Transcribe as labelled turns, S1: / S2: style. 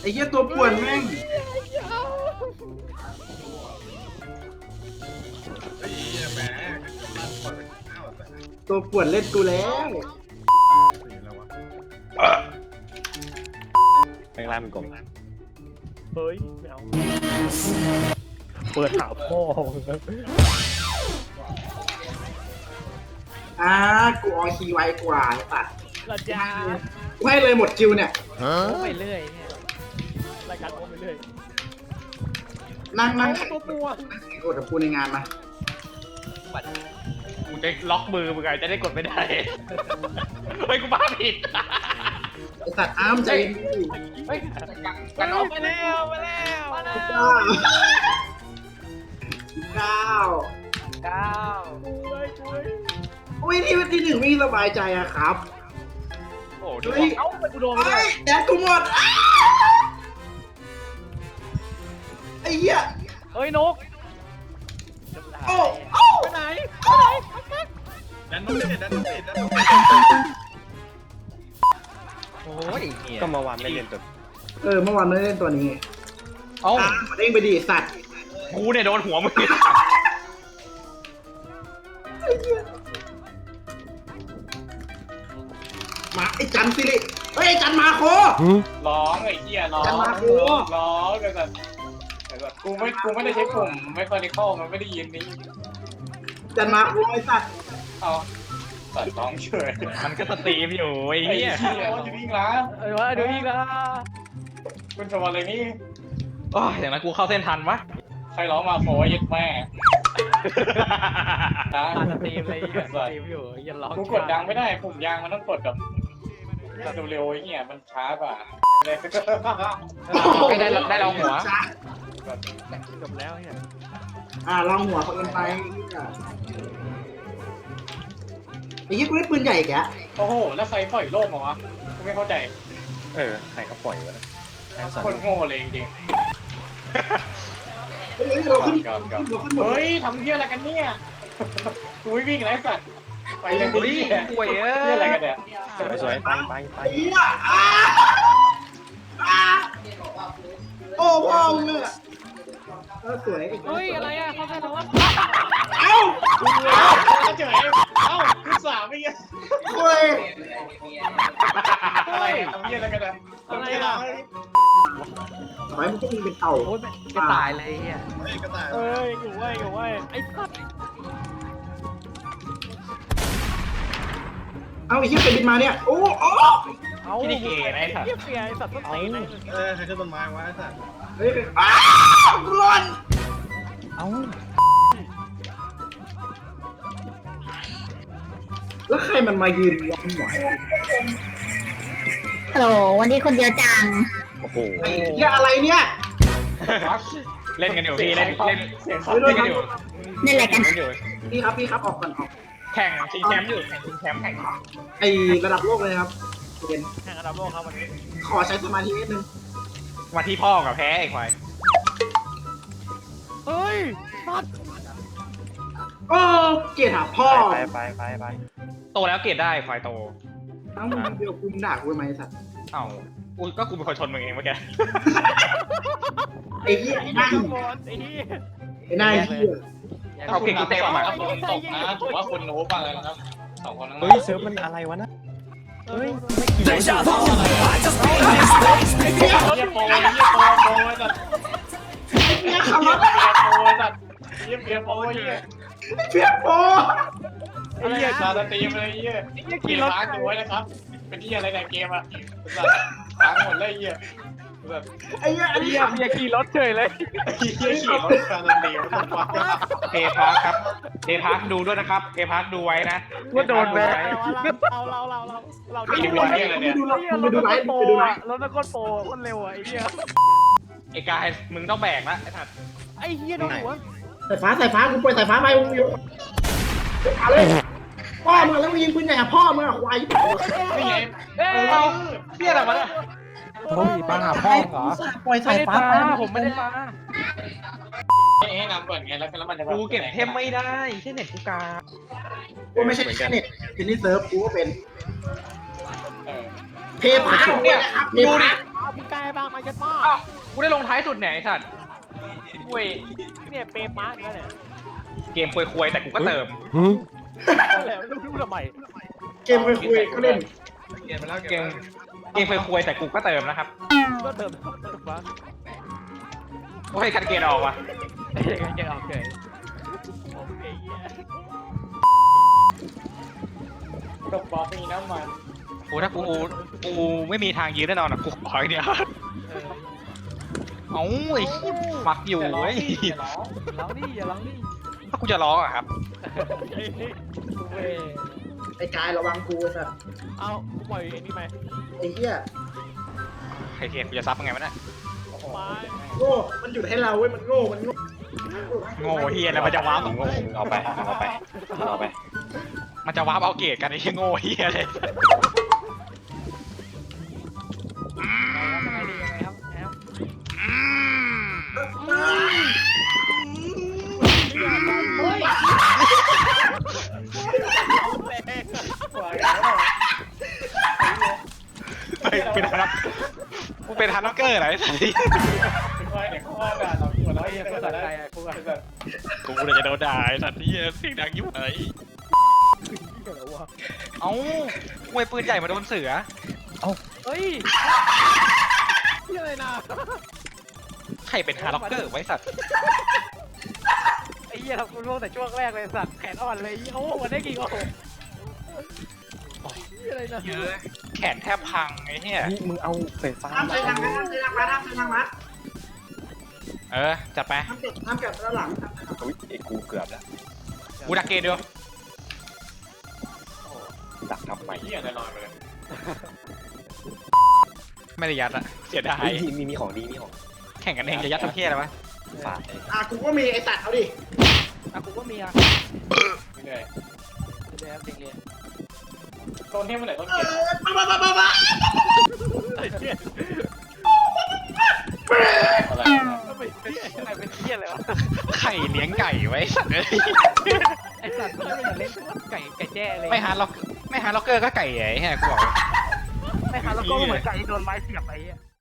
S1: ไอ้เหี้ยตัวป่วนแม่ง
S2: ไอ้เหี้ยแหมมันปล่อยไปข้าวแต่
S1: ตัวป่วนเล่นกูแล้ว
S2: สีแล้ววะ
S3: แม่งล่ามันกลม
S4: เฮ้ยไม่เอาเปิดหาพ่อ
S1: กูออคีย์ไวกว่าไอ้สัตว์
S4: ระยา
S1: กูให้เลยหมดคิวเนี่ย
S4: ไปเรื่อยเนี่ยรายการโอ้ไปเรื่อย
S1: นั่ง
S4: ตัวปวง
S1: แข่งกดกับกูในงานมา
S3: กูจะล็อกมือมึงไงจะได้กดไม่ได้เฮ้ยกูบ้าผิด
S1: ไอ้สัตว์อ้ามใจเย็นดิ
S3: เฮ้ยกันออกไปแล้ว
S4: มาแล้วมาแล้ว
S1: เก้าเก้า
S4: ช่วยช่วย
S1: อุ้ยที่หนึ่งไม่สบายใจอะครับ
S3: โอ้ดู
S1: เฮ้ย
S4: เอ้าไปกูโดนไป
S1: ไอ้
S4: เลย
S1: แดดกูหมดไอ้เหี้ย
S4: เฮ้ยนก
S1: โอ้โอ้
S4: ไปไหน
S2: ดันต้องเล่นดันต้องเล่นดันต้องเล่น
S3: โอ้ยก็มาวานไม่เล่นตัว
S1: เมื่อวานไม่ได้เล่นตัวนี้
S3: เอ้า
S1: เด้งไปดิสัตว์
S3: กูเนี่ยโดนหัวมึง
S1: มาไอ้จันสิริเฮ้ยไอ้จันมาโค
S5: ร้องไอ้เหี้ยร้อง
S1: จันมาโค
S5: ร้องแต่กูไม่ได้ใช้ปุ่มไม่คอนิคอลมันไม่ได้ยินนี่
S1: จันมาโคไอ้สัตว์
S5: เอาตัดร้องเฉย
S3: มันก็สตรีมอยู่ไอ้
S5: ไอ้
S3: เหี้ย
S5: เหี้ยอยู่นี่นะ
S4: เอ้ยว่าดูอีกละ
S5: คุณชมอะไรนี่
S3: โอ้ยอย่างนั้นกูเข้าเส้นทันวะ
S5: ใครร้องมาโฟยึดแม่นะ
S4: สตรีมเลยสตรีมอยู่ยันร้อง
S5: กูกดดังไม่ได้ปุ่มยางมันต้องกดแบบเร็วๆไอ้เหี้ยมันช้ากว่า
S3: ไม่ได้เราหัว
S4: จบแล้วเนี่ย
S1: ลองหัวเขากันไปไอ้เหี้ยกูได้ปืนใหญ่แก
S5: โอ้โหแล้วใครปล่อยโลกมาวะกูไม่เข้าใจ
S3: ใครเขาปล่อยวะนะแค่สอง
S5: คนโง่เลยจริง
S1: เฮ้ยเราขึ้น
S5: ก่อน
S1: เราขึ้นหมด
S5: เฮ้ยทำเหี้ยอะไรกันเนี่ยกูไม่วิ่งไรสัตว์ไปเลย
S3: เฮ้ย
S5: เหี้ย
S3: ป่วยเอ้
S5: เหี้ยอะไรกันเนี่ย
S3: สวยๆไป
S1: ไอ้เหี้ยโอ้พ่อมึงเนี่ยสวย
S4: เฮ้ยอะไรอ่ะเขาใครร้อง
S1: เอ้า
S5: เฉยเอ้าคุณสามไม่เงี้ย
S1: เฮ้ย
S5: อะไรทำเหี้ยอะไรกันเนี่ย
S4: อะไรอ่ะ
S1: ทำไมมึงต้องมีเป็นเต่า
S4: โอ้ยจะตายเลยอ่ะ
S2: เฮ้ยก็ตาย
S4: เอ้ยอยู่ไว้อยู่ไว้ไอ้สัตว์
S1: เอาไอ้เหี้ยไปบินมาเนี่ยโอ้
S4: เอา
S3: ที่นี่เก๋นะไอ้สัตว์
S4: เหี้ยเสียไอ้สัตว์ต้นตีนเลย
S2: ใครขึ้นต้นไม้วะไอ้สัตว์
S1: เฮ้ยร้อน
S3: เอ้า
S1: แล้วใครมันมายืนยันหัว
S6: ฮัลโหลวันนี้คนเดียวจัง
S3: โอ้โห
S1: ไอ้เหี้ยอะไรเนี่ย
S3: เล่นกันอยู่พี่เล่น
S5: เสียง
S1: เฮ้ย
S3: เล่นกันอยู่
S6: นี่แหละกัน
S3: เล่นอยู่
S1: พี่ครับออกก่อนออก
S3: แข่งชิงแชมป์อยู่ชิงแชมป์แข่ง
S1: ไอระดับโลกเลยครับเย็น
S4: แข่งระดับโลกครับวันนี้
S1: ขอใช้สมาธินิดนึง
S3: มาที่พ่อกับแพ้ไอ้ควาย
S4: เฮ้ยสัตว์
S1: โอ้เกลียดหาพ่อ
S3: ไปโตแล้วเกรดได้ควายโต
S1: ทั้งมึงเดียวกูด่ากูทำไมสัตว์
S3: เอ้าก็กูเป็นคนชนมึงเองเมื่อกี้
S1: ไอ้เหี้ยไอ้หน้า
S4: ข้างบนไอ้เหี้ย
S1: ไอ้หน้าเหี้ย
S3: เอาเก่งกูเต็ม
S5: อ่ะ
S3: อ่ะ
S5: คนตกนะถือว่าคุณโน้ตมาเลยนะครับสองคนนั้น
S3: เฮ้ยเซิร์ฟมันอะไรวะนะเฮ้ย
S5: เหี้ยโปเหี้ยโปจัด
S1: เหี้ย
S5: เหี้ย
S1: ขับรถ
S5: โปจัดเหี้ยเปียโปเหี้ย
S1: เพี้ยโป
S5: ไอ้เหี้ยซาสตรีมเลยเหี้ยขี่รถดูไว้นะครับ เป็นเหี้ยอะไรในเกมอ่ะแบบล้างหมดเลยเหี้ยแบบ
S1: ไอ้เหี้ยอันนี้
S4: เหี้ยเมียขี่รถเฉยเลย
S5: เหี้ยขี่รถซาสตรีมมันฟัง
S3: เพย์พาร์คครับเพย์พาร์คดูด้วยนะครับเพย์พาร์คดูไว้นะ
S4: ว่าโดนแบนเรา
S1: ไอ้เหี้ยมึงดูไลฟ์มึงดูไลฟ์
S4: รถนักโทษโปรคนเร็วอ่ะไอ้เหี้ย
S3: ไอ้กายมึงต้องแบกนะไอ้สัตว์
S4: ไอ้เหี้ยโดนหัว
S1: สายฟ้ากูปล่อยสายฟ้าไปมึงอยู่เอาเลยพ่อมึงแล้วมึงยิงปืนใหญ่หาพ่อมึงอะควาย
S5: นี่ไง
S3: เอาเหี้ยอะไรวะเนี่ย
S4: เฮ้ยมาหาพ่อเหรอ
S1: ปล่อยสายฟ้าไป
S4: ผมไม่ได้มา
S5: ให้นำก่อนไงแล้วมันจะ
S3: กูเก็บเทมไม่ได้แค่เน็ตกูกา
S1: กูไม่ใช่แค่เน็ตทีนี้เซิร์ฟกูก็เป็น
S5: เออ
S1: เพย์พาเนี่ยครับเพย์พา
S4: พี่กายบ้างมายัดมา
S3: อ้าวกูได้ลงท้ายสุดไหนไอ้สัตว์เว้ย
S4: เนี่ยเปย์มาร์กนั่นแหละ
S3: เกมควยๆแต่กูก็เติม
S4: แล้วรู้ทำไม
S1: เกมคุยก็เล่น
S2: เกมไปแล้ว
S3: เกมควยๆแต่กูก็เติมนะครับ
S4: ก็เติมมา
S3: โอ้ยคันเกณฑ์ออกว่ะ
S4: ยังโอเคโอเค
S5: ตกบอลมีน้ำมัน
S3: โอ้ถ้ากูไม่มีทางยืนแน่นอนอ่ะกูขออย่างเดียวเอ้าไอ้ขี้มักอยู่เว้ย
S4: ร้องนี่อย่าร้องนี่
S3: ถ้ากูจะร้องอะครับ
S1: ไอ้กายระวังกูไอ้สัส
S4: เอาปล่อยไอ้นี่ไหม
S1: ไอ้เหี้ย
S3: ใครเทียนกูจะซับยังไงวะเนี่ย
S4: มา
S1: โง่มันหยุดให้เราเว้ยมันโง่มันโง่
S3: โง่เฮียแล้วมันจะว้าวของโง่
S5: เอาไป
S3: มันจะว้าวเอาเกรดกันไอ้เหี้ยโง่เฮียเลย
S4: ยังไงดียังไงครับแอม
S3: เป็นฮันกูเป็นฮันน็อกเกอร์ไหนสิ
S5: ค่อยเดี๋ยวค่อยด่าเราหัวเราะ
S4: ไอ้
S5: เหี้ย
S4: ภา
S5: ก็
S4: ษา
S5: ได้
S4: ไทยอ่ะกูอ่ะ
S3: กูเลยจะโดนด่าไอ้สัตว์เฮียเสียงดังยิ่งเลยเอ้ากูไอ้ปืนใหญ่มาโดนเสือ
S4: เฮ้ยนี่อะไรนะ
S3: ใครเป็นฮันน็อกเกอร์ไว้สัตว์
S4: ไอ้เหี้ยทำกูร่วงแต่ช่วงแรกเลยสัตว์แขนอ่อนเลยโอ้วันได้กี่โอ้นี่อะไรนะ
S3: เยอะแขนแทบพังไอ้เหี้ย
S4: นี่มึงเอาไฟฟ้า
S1: ห้ามใช้ทางนั้นห้ามใช้ทางนั้นห้ามใช้ทางนั้น
S3: จัดไป
S1: ห้ามเก็บด้านหลัง
S5: อุ้ยไอ้กูเกือบแล้ว
S3: กูดักเกตดู
S5: ดักทำไมเหี้ยแน่นอนไปเลย
S3: ไม่ได้ยัดอะเสียดาย
S5: มีของดีมีของ
S3: แข่งกันเองจะยัดทำเพี้ยอะไรวะ
S5: ฝาด
S1: กูก็มีไอ้ตัดเอาดิ
S4: อ่ะกูก็มีอ่ะ
S5: ไม่ได้
S4: เดี๋ยวเด็กเรียน
S5: ต้นเทพเมื่อไหร่ต้นเก็บ
S1: บ้า
S5: อะไร
S4: ไม่เป็นเหี้ยอะไรวะ
S3: ไข่เลี้ยงไก่ไว้สัตว์เลย
S4: ไอสัตว์มันไม่อยากเล่นไก่แจ้เลย
S3: ไม่ฮาร์ล็อกเกอร์ก็ไก่ใหญ่แฮะกูบอก
S4: ไม่หาแล้วก็เหมือนไก่โดนไม้เสียบไป